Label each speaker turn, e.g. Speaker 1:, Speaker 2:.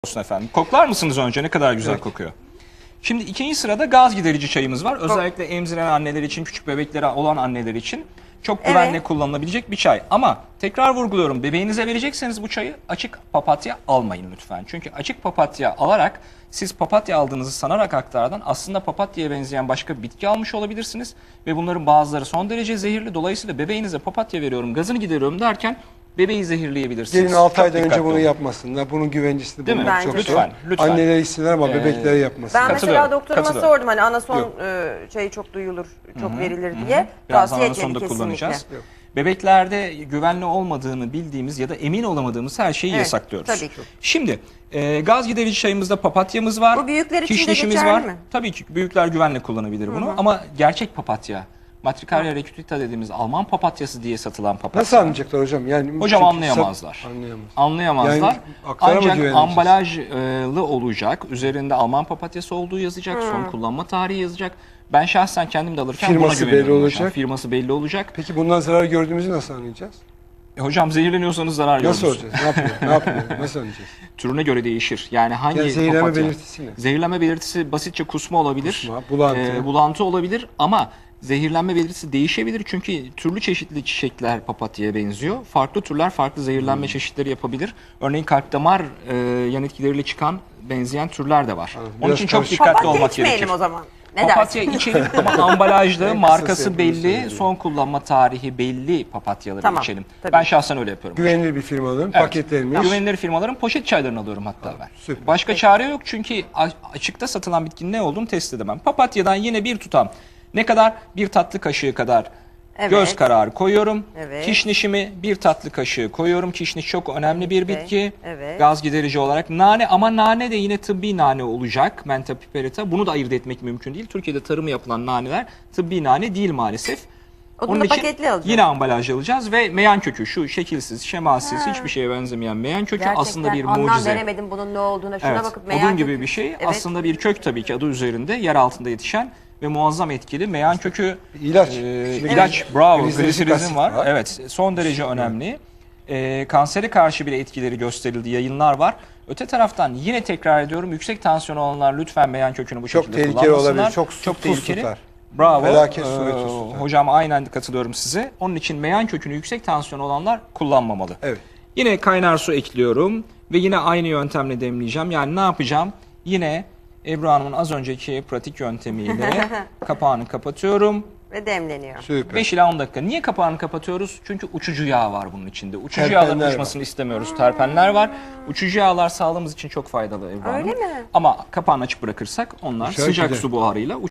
Speaker 1: Olsun efendim. Koklar mısınız önce? Ne kadar güzel kokuyor. Şimdi ikinci sırada gaz giderici çayımız var. Özellikle emziren anneler için, küçük bebeklere olan anneler için çok güvenle kullanılabilecek bir çay. Ama tekrar vurguluyorum, bebeğinize verecekseniz bu çayı açık papatya almayın lütfen. Çünkü açık papatya alarak siz papatya aldığınızı sanarak aktardan aslında papatyaya benzeyen başka bir bitki almış olabilirsiniz. Ve bunların bazıları son derece zehirli. Dolayısıyla bebeğinize papatya veriyorum, gazını gideriyorum derken bebeği zehirleyebilirsiniz.
Speaker 2: Gelin 6 aydan önce
Speaker 1: dikkatli
Speaker 2: bunu
Speaker 1: olun.
Speaker 2: yapmasınlar. Bunun güvencisini
Speaker 1: Değil mi?
Speaker 2: bulmak çok
Speaker 1: Lütfen,
Speaker 2: zor.
Speaker 1: lütfen.
Speaker 2: Anneler isteler ama bebeklere yapmasın.
Speaker 3: Ben mesela
Speaker 1: Katılıyorum,
Speaker 3: doktoruma
Speaker 1: katılıyorum.
Speaker 3: sordum hani anason çayı çok duyulur, çok verilir diye.
Speaker 1: Birazdan
Speaker 3: Tavsiye
Speaker 1: anasonu
Speaker 3: etmedi
Speaker 1: da
Speaker 3: kesinlikle.
Speaker 1: kullanacağız. Bebeklerde güvenli olmadığını bildiğimiz ya da emin olamadığımız her şeyi yasaklıyoruz.
Speaker 3: tabii ki.
Speaker 1: Şimdi gaz giderici çayımızda papatyamız var.
Speaker 3: Bu büyükler için de
Speaker 1: kişnişimiz
Speaker 3: geçerli
Speaker 1: var.
Speaker 3: mi?
Speaker 1: Tabii ki büyükler güvenle kullanabilir bunu ama gerçek papatya, Matricaria recutita dediğimiz Alman papatyası diye satılan papatya.
Speaker 2: Nasıl anlayacaklar hocam? Yani
Speaker 1: Hocam
Speaker 2: çünkü
Speaker 1: anlayamazlar.
Speaker 2: Anlayamaz.
Speaker 1: Anlayamazlar.
Speaker 2: Yani aktara mı
Speaker 1: Ancak
Speaker 2: güveneceğiz?
Speaker 1: ambalajlı olacak. Üzerinde Alman papatyası olduğu yazacak. Son kullanma tarihi yazacak. Ben şahsen kendim de alırken
Speaker 2: Firması
Speaker 1: buna güveniyorum
Speaker 2: belli
Speaker 1: hocam.
Speaker 2: olacak.
Speaker 1: Firması belli olacak.
Speaker 2: Peki bundan zarar gördüğümüzü nasıl anlayacağız?
Speaker 1: Hocam zehirleniyorsanız zarar
Speaker 2: Nasıl
Speaker 1: görürsünüz.
Speaker 2: olacağız? Ne yapıyor? Ne yapıyor? Nasıl anlayacağız?
Speaker 1: Türüne göre değişir. Yani hangi
Speaker 2: Yani zehirlenme
Speaker 1: papatya?
Speaker 2: belirtisi ne?
Speaker 1: Zehirlenme belirtisi basitçe kusma olabilir.
Speaker 2: Kusma, bulantı.
Speaker 1: Bulantı olabilir ama zehirlenme belirtisi değişebilir. Çünkü türlü çeşitli çiçekler papatyaya benziyor. Farklı türler farklı zehirlenme çeşitleri yapabilir. Örneğin kalp damar yan etkileriyle çıkan benzeyen türler de var.
Speaker 2: Anladım.
Speaker 1: Onun
Speaker 2: Biraz
Speaker 1: için çok
Speaker 2: karışık.
Speaker 1: dikkatli
Speaker 3: Papatya
Speaker 1: olmak
Speaker 3: içmeyelim
Speaker 1: gerekir.
Speaker 3: o zaman. Ne
Speaker 1: Papatya
Speaker 3: dersin?
Speaker 1: içelim ama ambalajlı,
Speaker 2: En
Speaker 1: markası
Speaker 2: kısası yapılması
Speaker 1: belli,
Speaker 2: gerekiyor.
Speaker 1: son kullanma tarihi belli papatyaları
Speaker 3: Tamam,
Speaker 1: içelim.
Speaker 3: tabii.
Speaker 1: Ben şahsen öyle yapıyorum.
Speaker 2: Güvenilir bir firmanın
Speaker 1: Evet.
Speaker 2: paketlenmiş.
Speaker 1: Güvenilir firmaların poşet çaylarını alıyorum hatta ben.
Speaker 2: süper.
Speaker 1: Başka çare yok çünkü açıkta satılan bitkinin ne olduğunu test edemem. Papatyadan yine bir tutam, ne kadar? Bir tatlı kaşığı kadar göz kararı koyuyorum.
Speaker 3: Evet.
Speaker 1: Kişnişimi bir tatlı kaşığı koyuyorum. Kişniş çok önemli bir bitki.
Speaker 3: Evet.
Speaker 1: Gaz giderici olarak. Nane, ama nane de yine tıbbi nane olacak. Mentha piperita. Bunu da ayırt etmek mümkün değil. Türkiye'de tarımı yapılan naneler tıbbi nane değil maalesef.
Speaker 3: Onu da paketli alacağız.
Speaker 1: Yine ambalaj alacağız ve meyan kökü, şu şekilsiz, şemalsiz, hiçbir şeye benzemeyen meyan kökü aslında bir
Speaker 3: Ondan
Speaker 1: mucize.
Speaker 3: denemedim bunun ne olduğuna. Şuna
Speaker 1: Evet,
Speaker 3: bakıp
Speaker 1: odun gibi bir şey.
Speaker 3: Evet.
Speaker 1: Aslında bir kök tabii ki adı üzerinde, yer altında yetişen ve muazzam etkili. Meyan kökü
Speaker 2: İlaç.
Speaker 1: ilaç, bravo,
Speaker 2: Gliserik
Speaker 1: gliserizin
Speaker 2: asit
Speaker 1: var.
Speaker 2: var.
Speaker 1: Evet, son derece önemli. Kansere karşı bile etkileri gösterildi, yayınlar var. Öte taraftan yine tekrar ediyorum, yüksek tansiyon olanlar lütfen meyan kökünü bu
Speaker 2: Çok
Speaker 1: şekilde
Speaker 2: tehlikeli
Speaker 1: kullanmasınlar.
Speaker 2: olabilir. Çok tuz
Speaker 1: tehlikeli.
Speaker 2: tutar.
Speaker 1: Bravo.
Speaker 2: Felaket suret tuz tutar.
Speaker 1: Hocam aynen katılıyorum size. Onun için meyan kökünü yüksek tansiyon olanlar kullanmamalı.
Speaker 2: Evet.
Speaker 1: Yine kaynar su ekliyorum ve yine aynı yöntemle demleyeceğim. Yani ne yapacağım? Yine Ebru Hanım'ın az önceki pratik yöntemiyle kapağını kapatıyorum.
Speaker 3: Ve demleniyor.
Speaker 2: Süper.
Speaker 1: 5 ila 10 dakika. Niye kapağını kapatıyoruz? Çünkü uçucu yağ var bunun içinde. Uçucu
Speaker 2: Terpenler
Speaker 1: yağların oluşmasını istemiyoruz. Terpenler var. Uçucu yağlar sağlığımız için çok faydalı Ebru Hanım.
Speaker 3: Öyle mi?
Speaker 1: Ama kapağını açık bırakırsak onlar
Speaker 2: Uçar
Speaker 1: sıcak
Speaker 2: gider.
Speaker 1: su buharıyla